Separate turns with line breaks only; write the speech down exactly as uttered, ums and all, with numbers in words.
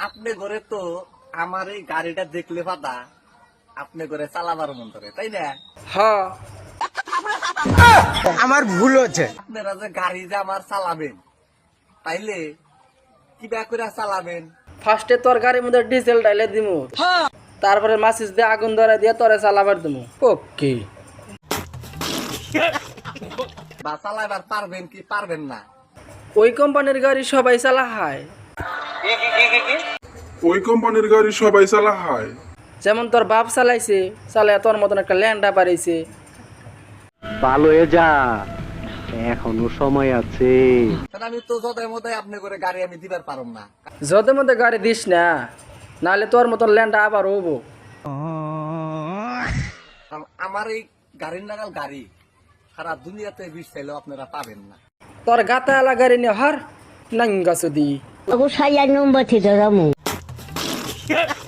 আপনি ঘরে তো আমার এই গাড়িটা দেখলে পাতা আপনি করে চালাবার মন করে, তাই না?
হ্যাঁ আমার ভুল হচ্ছে।
আপনারা যে গাড়ি যে আমার চালাবেন, তাইলে কি ব্যাক করে চালাবেন?
ফার্স্টে তোর গাড়ির মধ্যে ডিজেল ডাইলে দিমু, তারপরে মাচিস দিয়ে আগুন ধরে দিয়ে তোরে চালাবার দিমু। ওকে
বা চালাবার পারবেন কি পারবেন না?
ওই কোম্পানির গাড়ি সবাই চালা হয়,
ওই কোম্পানির গাড়ি সবাই চালা হয়।
যেমন তোর বাপ চালাইছে, চালায় তোর মতন একটা ল্যান্ডা বাড়াইছে।
ভালো হয়ে যা, এখনো সময় আছে।
কারণ আমি তো যদাই মদাই আপনি করে গাড়ি আমি দিবার পারম না।
যতে মধ্যে গাড়ি দিস না, নাহলে তোর মতন ল্যান্ডা আবার হবো।
কারণ আমার এই গাড়ির নাগাল গাড়ি সারা দুনিয়াতে বিষ চাইলেও আপনারা পাবেন না।
তোর গাতা এলা গাড়ি নিয়ে হার নাঙ্গা সুদি
Aku sayang nombor tiga kamu.